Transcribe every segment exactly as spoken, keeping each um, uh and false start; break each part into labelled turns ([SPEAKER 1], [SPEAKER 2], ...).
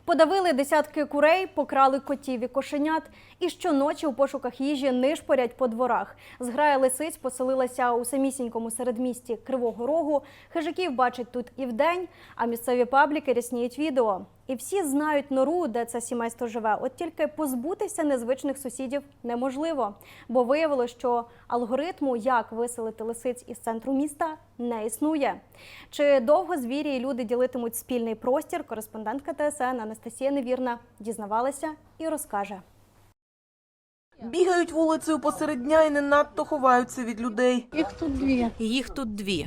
[SPEAKER 1] Подавили десятки курей, покрали котів і кошенят. І щоночі у пошуках їжі нишпорять по дворах. Зграя лисиць поселилася у самісінькому середмісті Кривого Рогу. Хижаків бачать тут і вдень, а місцеві пабліки рясніють відео. І всі знають нору, де це сімейство живе. От тільки позбутися незвичних сусідів неможливо. Бо виявилося, що алгоритму, як виселити лисиць із центру міста, не існує. Чи довго звірі і люди ділитимуть спільний простір, кореспондентка Т С Н Анастасія Невірна дізнавалася і розкаже.
[SPEAKER 2] Бігають вулицею посеред дня і не надто ховаються від людей.
[SPEAKER 3] Їх тут дві.
[SPEAKER 4] Їх тут дві.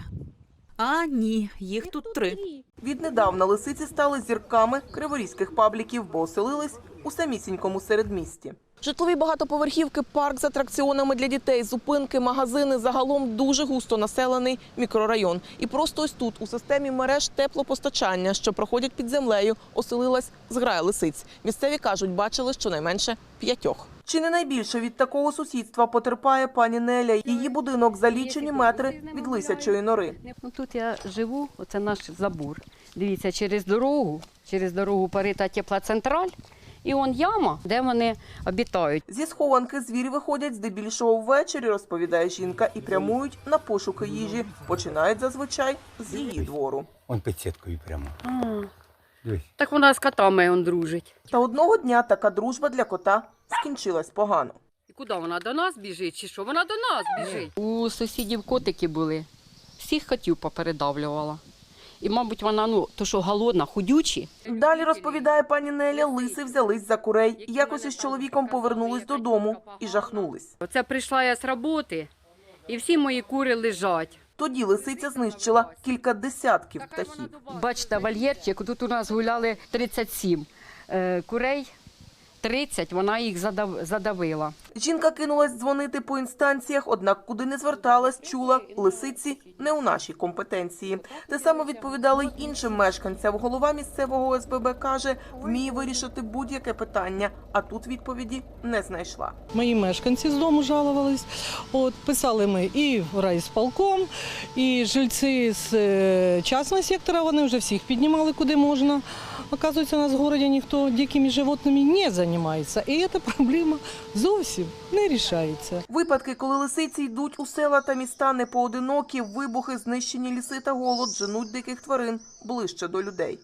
[SPEAKER 4] А ні, їх тут три.
[SPEAKER 2] Віднедавна лисиці стали зірками криворізьких пабліків, бо оселились у самісінькому середмісті. Житлові багатоповерхівки, парк з атракціонами для дітей, зупинки, магазини – загалом дуже густо населений мікрорайон. І просто ось тут, у системі мереж теплопостачання, що проходять під землею, оселилась зграя лисиць. Місцеві кажуть, бачили щонайменше п'ятьох. Чи не найбільше від такого сусідства потерпає пані Неля? Її будинок за лічені метри від лисячої нори.
[SPEAKER 3] Ну, тут я живу, оце наш забор. Дивіться, через дорогу, через дорогу парита теплоцентраль. І он яма, де вони обітають.
[SPEAKER 2] Зі схованки звірі виходять здебільшого ввечері, розповідає жінка, і прямують на пошуки їжі. Починають зазвичай з її двору.
[SPEAKER 5] Он під сіткою прямо.
[SPEAKER 3] А,
[SPEAKER 5] Дивись.
[SPEAKER 3] так вона з котами он дружить.
[SPEAKER 2] Та одного дня така дружба для кота скінчилась погано.
[SPEAKER 3] І куди вона, до нас біжить чи що? Вона до нас біжить. У сусідів котики були, всіх котів попередавлювала. І, мабуть, вона, ну, то що голодна, худючі.
[SPEAKER 2] Далі, розповідає пані Неля, лиси взялись за курей. Якось із чоловіком повернулись додому і жахнулись.
[SPEAKER 3] Оце прийшла я з роботи, і всі мої кури лежать.
[SPEAKER 2] Тоді лисиця знищила кілька десятків птахів.
[SPEAKER 3] Бачите, вольєрчик, тут у нас гуляли тридцять сім е, курей, тридцять, вона їх задав, задавила.
[SPEAKER 2] Жінка кинулась дзвонити по інстанціях, однак куди не зверталась, чула – лисиці не у нашій компетенції. Те саме відповідали й іншим мешканцям. Голова місцевого О С Б Б каже, вміє вирішити будь-яке питання, а тут відповіді не знайшла.
[SPEAKER 6] Мої мешканці з дому жалувались. От, писали ми і в райсполком, і жильці з е, частного сектора, вони вже всіх піднімали, куди можна. Оказується, у нас в городі ніхто дикими животними не займається. І ця проблема зовсім не рішається.
[SPEAKER 2] Випадки, коли лисиці йдуть у села та міста не поодинокі, вибухи, знищені ліси та голод женуть диких тварин ближче до людей.